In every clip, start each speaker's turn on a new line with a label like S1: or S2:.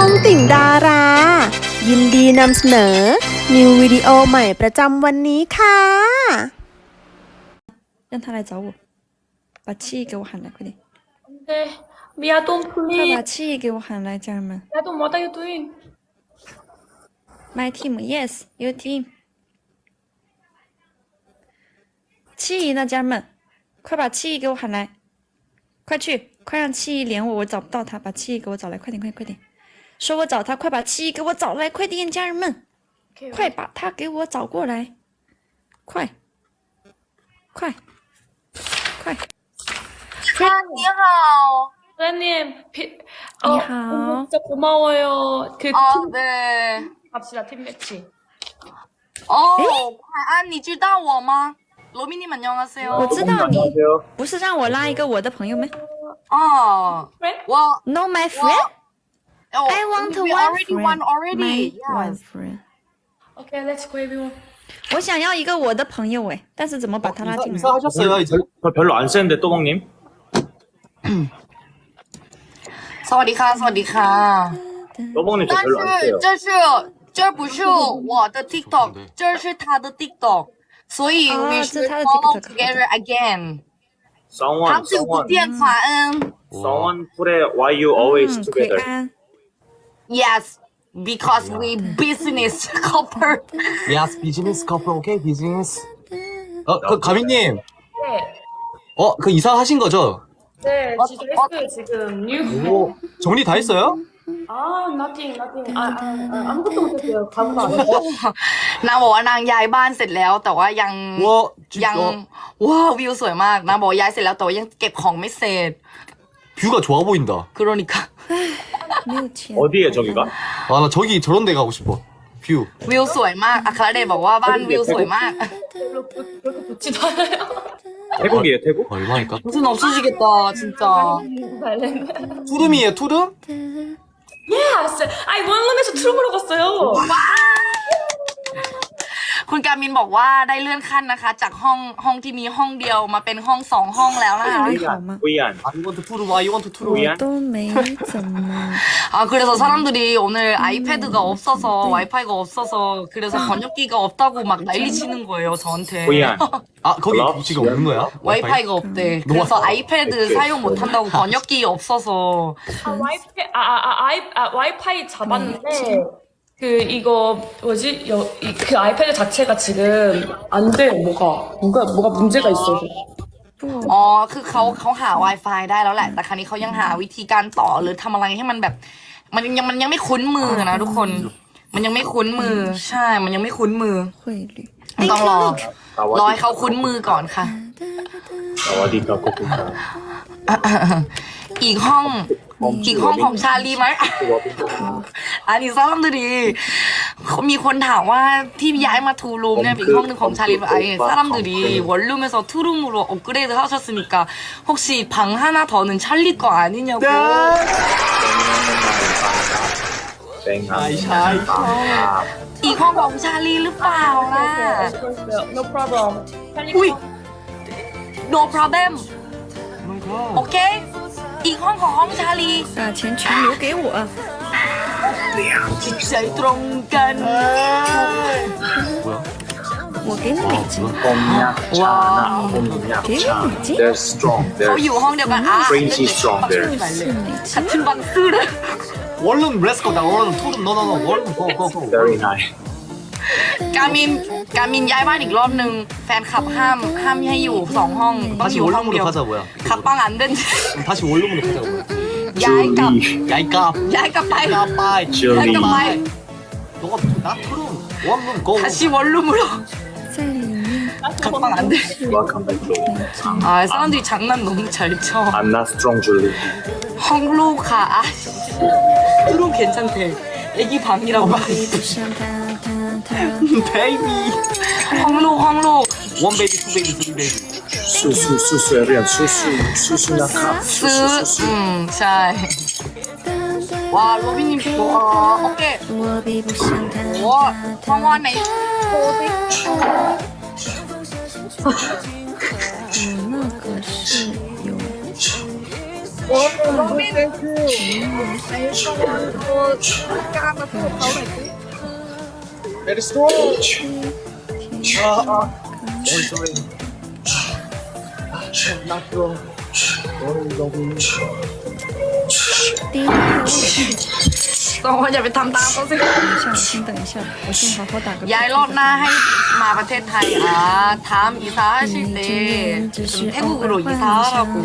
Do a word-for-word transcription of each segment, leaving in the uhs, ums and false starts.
S1: องติ่งดารา ยินดีนำเสนอ นิววิดีโอใหม่ประจำวันนี้ค่ะ
S2: 让他来找我，把气给我喊来，快点！
S3: 对，Mia don't
S2: 快把
S3: please.
S2: 气给我喊来，家人们
S3: Mia don't, what are you doing?
S2: ！My team, yes, your team。气呢，家人们，快把气给我喊来，快去，快让气连我，我找不到他，把气给我找来，快点，快点，快点！说我找他，快把气给我找来，快点，家人们，
S3: Okay,
S2: 快把他给我找过来，快，快，快！
S4: 你好.
S3: 사장님, 비,
S2: 니
S3: 어,
S2: 하오.
S3: 진짜 고마워요. 그
S4: 어,
S3: 팀
S4: 네.
S3: 갑시다, 팀 매치.
S4: 어, 과안, 你知道我吗? 로미님 안녕하세요.
S2: 我知道你不是让我拉一个我的朋友吗
S4: 어,
S3: Friend?
S4: 我,
S2: ？No, my friend.
S4: oh,
S2: I want
S4: we
S2: one
S4: already
S2: friend.
S4: won already.
S2: My one
S4: Yes.
S2: friend.
S3: Okay, let's go everyone.
S2: 我想要一个我的朋友哎，但是怎么把他拉进来？
S5: 인사하셨어요 이제?
S6: 저 별로 안 쓰는데 또봉님?
S4: สวัสดีค่ะ สวัสดีค่ะ
S6: 또봉님 저
S4: 但
S6: 별로 안
S4: 是
S6: 써요.
S4: 这是这不是我的 TikTok， 这是他的 TikTok， 所以
S2: 哦
S4: we
S2: 这
S4: should
S2: 是他的
S4: follow
S2: TikTok，
S4: together again。
S6: someone
S4: 长久不
S6: someone
S4: 见，款恩。
S6: someone put it why you always
S2: 嗯，奎
S6: together.
S2: 安，
S4: Yes, because we business couple.
S5: Yes, business couple, okay, business. 어, 그 가민님,
S3: 네,
S5: 어, 그 이사하신 거죠?
S3: 네,
S4: 어,
S3: 진짜
S4: 어,
S3: 했어요 지금. 뉴.
S5: 오, 정리 다 했어요?
S3: 아, nothing, nothing. 아, 아, 아 아무것도 못했어요. 가구도 안 했어요.
S4: นางบอกว่านางย้ายบ้านเสร็จแล้ว แต่ว่ายัง
S5: 와,
S4: ยัง
S5: 진짜
S4: ว้าววิวสวยมากนางบอกว่าย้ายเสร็จแล้วแต่ว่ายังเก็บของไม่เสร็จ
S5: 뷰가 좋아 보인다.
S4: 그러니까
S2: 没有钱。
S6: 어디에 저기가?
S5: 아, 나 저기 저런 데 가고 싶어. 뷰.
S4: วิวสวยมากอัครเดชบอกว่าบ้านวิวสวยมาก
S3: 별로 그- 그렇게 좋지도 않아요.
S6: 태국이에요 태국?
S5: 얼마니까?
S4: 무슨 없어지겠다 진짜
S3: 발렌.
S5: 투룸이에요, 투룸?
S3: Yes, 아이 원룸에서 트루브로 갔어요.
S4: คุณการมินบอกว่าได้เลื่อนขั้นนะคะ จากห้องห้องที่มีห้องเดียวมาเป็นห้องสองห้องแล้วนะคะ
S2: 你好吗？
S6: 후이안
S5: I want 투룸, I want 투룸.
S6: 我
S2: 我都没怎么。
S4: 아 그래서 사람들이 오늘 아이패드가 없어서 와이파이가 없어서 그래서 번역기가 없다고 막 난리 치는 거예요 저한테
S6: 후이안
S5: 아, 거기
S6: 몰라?
S5: 지금 없는 거야?
S4: 와이파이가 없대 그래서 아이패드 사용 못한다고 번역기 없어서
S3: 아 와이파이 아, 아, 아, 아이, 아 와이파이 잡았는데 그 이거 뭐지 여, 이, 그 아이패드 자체가 지금 안 돼 뭐가 뭐가 뭐가 문제가 있어서
S4: อ๋อคือเขาเขาหา Wi-Fi ได้แล้วแหละ แต่ครั้นี้เขายังหาวิธีการต่อหรือทำอะไรให้มันแบบ มันยังมันยังไม่คุ้นมือนะทุกคน มันยังไม่คุ้นมือ ใช่ มันยังไม่คุ้นมือ
S2: 汇率。
S4: ต้องรอ รอให้เขาคุ้นมือก่อนค่ะ
S6: 어디가 꼬꼬가
S4: อีกห้อง อีกห้องของชาลีไหม อันนี้ซ้ำดูดีมีคนถามว่าที่ย้ายมาทูรูมเนี่ยอีกห้องหนึ่งของชาลีไอ้사람들이 원룸에서 투룸으로 업그레이드 하셨으니까 혹시 방 하나 더는 찰리 거 아니냐고.
S5: 아이, 샤이.
S4: อีกห้องของชาลีหรือเปล่าล่ะ
S3: No problem
S4: อุ้ย no problem โอเค อีกห้องของห้องชาลี
S2: 把钱全留给我。
S4: จิตใจตรงกัน
S5: 뭐야?
S2: 我给你美金，
S6: 봄약차나 봄약차 They're strong
S4: เขา
S6: They're
S4: อยู่ห้องเดียวกันอ่ะ
S6: Crazy strong there
S4: ขัดขึ้นบังซื่อเลย
S5: 원룸 렛츠고, 나 원룸 투룸, 너너너 원룸 고, 고, 고.
S6: very nice
S4: การมินการมินย้ายบ้านอีกรอบนึงแฟนคลับห้ามห้ามให้อยู่สองห้องต้องอ
S5: 다시
S4: ยู่ห้องเดียว
S5: 원룸으로 가자, 뭐야.
S4: ขับปังอันเดิน
S5: 그럼 다시 원룸으로 가자고, 뭐야.
S4: ย้ายกลับ
S5: 야이깝.
S4: ย้ายกลับไป
S5: 야빠이.
S4: ย้ายกลับไป
S5: 너가 나 투룸, 원룸 고.
S4: ทัชิวอลลุ่มหรอ
S2: 在里面。
S4: ขับปังอันเดิน
S6: Welcome back to
S4: 아 사람들이 장난 너무 잘 쳐.
S6: I'm not strong 줄리
S4: 헝로가 아 트룸 괜찮대. 애기 방이라고.
S2: 不像他，他，他。
S5: 베이비.
S4: 헝로 헝로.
S5: 원 베이비, 투 베이비, 쓰리 베이비.
S6: 수수 수수 에비안 수수 수수나카
S4: ซื้อ อืม ใช่ ว้าโรบินนี่ว้าโอเค
S2: 我比不上他。
S4: ว้าว่างว่าไหนโชว์สิ
S2: 我那个是有
S6: Very strong. 아, 아. Not strong. 너무 너무.
S2: 第一个
S4: สองคนอย่าไปทำตามเขาสิ
S2: 等一下，先等一下，我先好好打个。
S4: ย้ายรอบหน้าให้มาประเทศไทยอ่ะทำอีสานชิเด태국으로이사하라고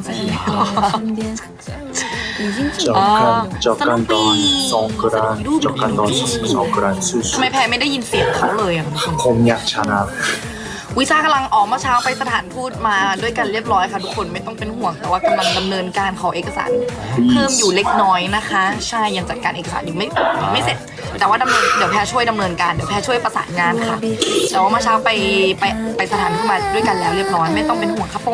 S2: 已经进
S6: 적
S2: 了。
S6: 간 적간던 송크란 적간던 송크란
S4: ทำ
S6: 수수
S4: ไมแพรไม่ได้ยินเสียงเขาเลยอ่ะ
S6: 곰약 차나
S4: วิชากำลังออกเมื่อเช้าไปสถานทูตมาด้วยกันเรียบร้อยค่ะทุกคนไม่ต้องเป็นห่วงแต่ว่ากำลังดำเนินการขอเอกสารเพิ่มอยู่เล็กน้อยนะคะ ใช่ยังจัดการเอกสารยังไม่ยังไม่เสร็จ แต่ว่าดำเนินเดี๋ยวแพรช่วยดำเนินการเดี๋ยวแพรช่วยประสานงานค่ะแต่ว่าเมื่อเช้าไปไปไปสถานทูตมาด้วยกันแล้วเรียบร้อยไม่ต้องเป็นห่วงครับผม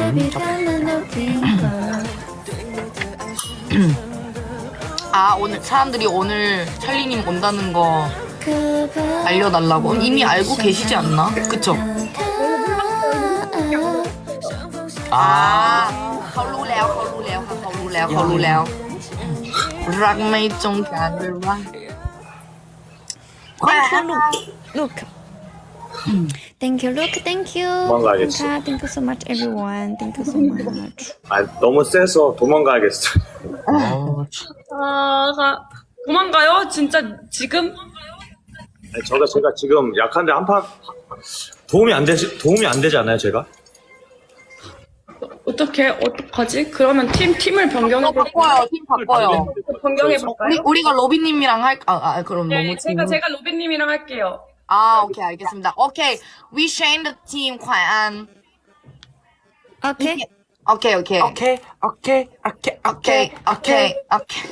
S4: 아 오늘 사람들이 오늘 찰리님 온다는 거 알려달라고 이미 알고 계시지 않나? 그쵸? 아, เขารู้แล้วเขารู้แล้วค่ะเขารู้แล้วเขารู้แล้วรักไม่จงการหรือว่า
S2: Thank you, look, look. Thank you, look, thank you.
S6: 도망가야겠어.
S2: Thank you so much, everyone. Thank you so much.
S6: 아 너무 세서 도망가야겠어.
S3: 아, 가- 도망가요? 진짜 지금?
S6: 아니, 저가 제가 지금 약한데 한판 도움이 안 되지 도움이 안 되지 않아요 제가?
S3: 어떻게 어떡하지? 그러면 팀 팀을 변경해 볼
S4: 바꿔요 팀 바꿔요
S3: 변경해 볼까요?
S4: 우리, 우리가 로빈님이랑 할 아, 아 그럼
S3: 네,
S4: 너무
S3: 제가 제가 로빈님이랑 할게요.
S4: 아 오케이 알겠습니다 오케이 we change the team 과연
S2: Okay.
S4: 오케이 오케이
S5: 오케이 오케이 오케이
S4: 오케이 오케이 오케이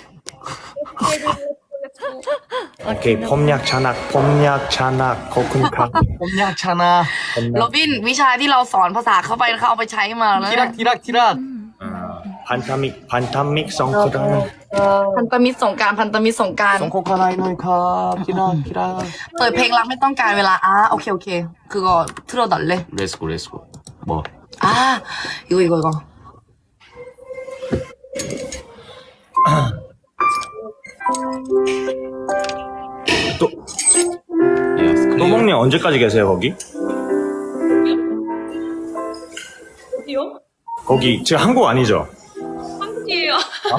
S6: 오케이 폼약 잔악 폼약 잔악 거쿤카
S5: 봄약 차나
S6: 폼약
S4: โรบินวิชาที่เราสอนภาษาเข้าไปเขาเอาไปใช้มาแล้ว
S5: 티락 티락 티락
S6: 어, 반타믹 반타믹 성크란
S4: พันธมิตรสงกรารพันธมิตรสงกราร
S5: 송코카나이노이카 티락 티락
S4: เปิดเพลงรักไม่ต้องการเวลาอ่าโอเคโอเคคือก็틀어달래
S5: 렛츠고 렛츠고 뭐
S4: 아 이거 이거 이거
S6: 또
S5: 예스
S6: 또봉님 언제까지 계세요 거기?
S3: 어디요?
S6: 거기 지금 한국 아니죠?
S3: 한국이에요.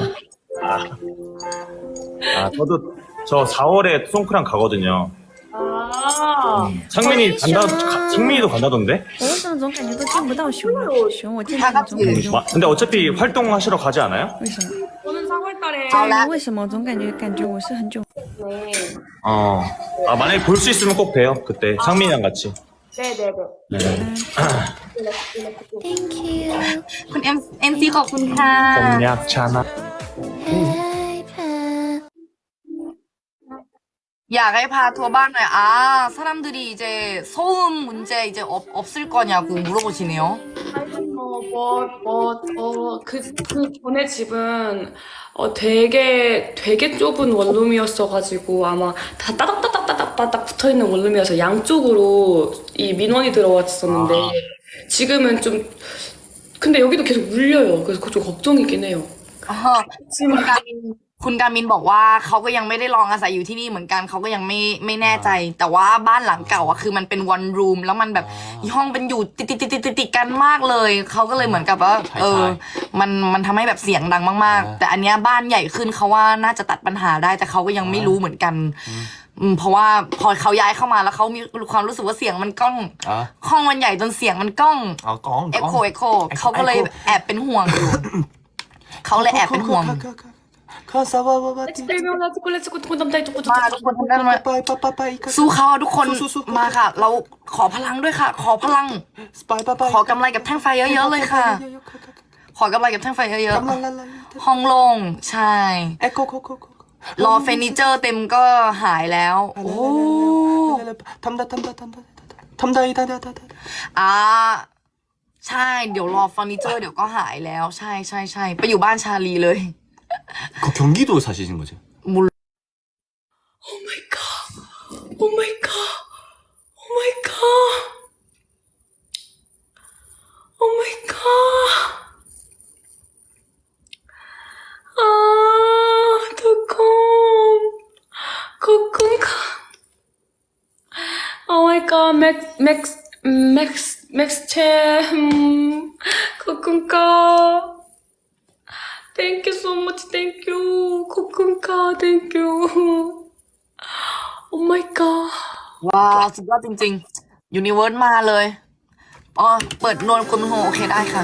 S6: 아 저도 저 사월에 송크랑 가거든요.
S3: 아,
S6: 상민이 간다 가- 상민이도 간다던데?
S2: 我为什么总感觉都见不到熊啊？熊，我见到你总感觉
S6: 마- 근데 어차피 활동하시러 가지 않아요?
S2: 为什么？
S3: 저는 사월달에
S2: 对，为什么我总感觉感觉我是很久？
S3: 네,
S6: 어. 아 만약에 볼 수 있으면 꼭 봬요 그때 상민이랑 같이.
S3: 네네네.
S6: 네.
S2: Thank you.
S4: คุณเอ็มเอ็มซีขอบคุณค่ะ
S6: 폼약 잔악.
S4: อยากให้พาทัวร์บ้านหน่อย아 사람들이 이제 소음 문제 이제 없, 없을 거냐고 물어보시네요
S3: 어, 뭐, 뭐, 어, 그, 그 전에 집은, 어, 되게, 되게 좁은 원룸이었어가지고, 아마 다 따닥따닥따닥따닥 붙어 있는 원룸이어서 양쪽으로 이 민원이 들어왔었는데, 지금은 좀, 근데 여기도 계속 울려요. 그래서 그거 좀 걱정이긴 해요.
S4: อ๋อคุณกามินคุณกามินบอกว่าเขาก็ยังไม่ได้ลองอาศัยอยู่ที่นี่เหมือนกันเขาก็ยังไม่ไม่แน่ใจ แต่ว่าบ้านหลังเก่าอะคือมันเป็น one room แล้วมันแบบห้องเป็นอยู่ติดติดติดติดติดติดกันมากเลยเขาก็เลยเหมือนกับว่าเออมันมันทำให้แบบเสียงดังมากๆ แต่อันเนี้ยบ้านใหญ่ขึ้นเขาว่าน่าจะตัดปัญหาได้แต่เขาก็ยังไม่รู้เหมือนกันอืมเพราะว่าพอเขาย้ายเข้ามาแล้วเขามีความรู้สึกว่าเสียงมันก้อง
S5: 아
S4: ห้องมันใหญ่จนเสียงมันก้อง
S5: 아, 꽁,
S4: เอ็กโค
S5: 꽁.
S4: เอ็กโคเขาก็เลยแอบเป็นห่วงอยู่เขาเลยแอบเป็นห่วง
S5: 가사와와바티
S3: 그러면 렛츠고, 렛츠고, 렛츠고, 남자 이쪽,
S4: มาทุกคนทำได้ไหม
S5: 빠이빠빠빠이
S4: สู้เขาอะทุกคน
S5: สู้ๆๆ
S4: มาค่ะ เราขอพลังด้วยค่ะ ขอพลัง
S5: 빠이빠빠이
S4: ขอกำไรกับแท่งไฟเยอะๆเลยค่ะ ขอกำไรกับแท่งไฟเยอะ
S5: 깜랄랄랄
S4: ๆห้องโล่งใช่
S5: 에코코코코
S4: รอเฟอร์นิเจอร์เต็มก็หายแล้ว โอ้
S5: 탐다 탐다 탐다 탐다이다다다다
S4: อ่าใช่ เดี๋ยวรอเฟอร์นิเจอร์เดี๋ยวก็หายแล้ว ใช่ใช่ใช่ไปอยู่บ้านชาลีเลย
S5: 그 경기도 사시는 거죠?
S3: 오 마이 갓. 오 마이 갓. 오 마이 갓. 오 마이 갓. 맥, 맥, 맥스, 맥스체, 음, 코쿤카. Thank you so much, thank you. 코쿤카, thank you. Oh my god.
S4: ว้าวสุดยอดจริงๆยูนิเวิร์สมาเลยอ๋อเปิดนวลคุณโฮโอเคได้ค่ะ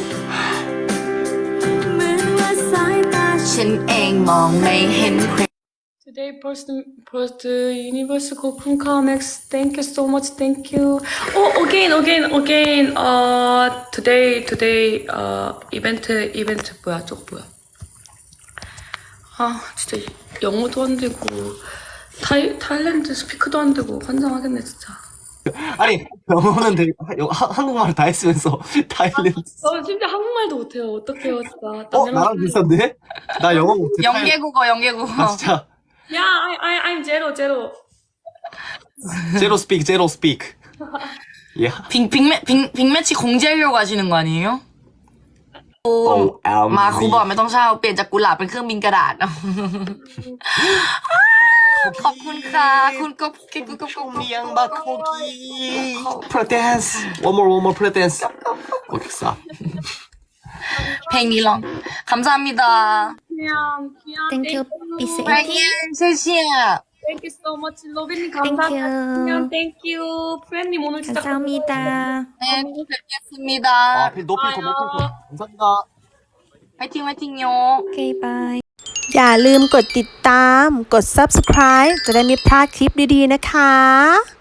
S4: ฉันเองมองไม่เห็นใคร
S3: Today, first, first universe 코쿤카 Max. Thank you so much, thank you. Oh, again, again, again. Uh, today, today, uh, 이벤트, 이벤트 뭐야, 쪽 뭐야. 아, 진짜 영어도 안 되고, 타이, 타일랜드 스피크도 안 되고, 환장하겠네, 진짜.
S5: 아니 영어는 되게 영- 하- 한국말 다 했으면서 타일랜드.
S3: 저 진짜 한국말도 못해요. 어떡해요, 진짜.
S5: 어 나랑 비슷한데? 나 영어 못해.
S4: 영계국어 영계국어
S5: 아 진짜.
S3: 야, I, I, I'm 제로, 제로.
S5: 제로 스픽 제로 스픽. 야.
S4: 빅, 빅매, 빅, 빅매치 공지하려고 하시는 거 아니에요? 오,
S5: 어,
S4: มาครูบอกไม่ต้องเช่าเปลี่ยนจากกุหลาบเป็นเครื่องบินกระดาษ ขอบคุณค่ะคุณก็คุณก็ก็ก็
S5: 미양 마코기. 프레댄스. One more one more 프레댄스. 오케이 stop.
S4: เพลงนี้ลองคำซามิดา
S3: 그냥, 그냥.
S2: Thank you,
S4: ไป
S2: 비세이티.
S4: เย็นเชี่ยเชี่ย
S3: Thank you so much. 로빈님
S2: Thank
S3: 감사합니다.
S2: you.
S3: 그냥 thank you. 프렌님 오늘 진짜
S2: 감사합니다.
S4: 네 뵙겠습니다
S5: 아 높이 거 높이 거. 감사합니다.
S4: ไว้ทิ้งไว้ทิ้งโย
S2: 오케이, 바이.
S1: อย่าลืมกดติดตาม กด ซับสไครบ์ จะได้ไม่พลาดคลิปดีๆนะคะ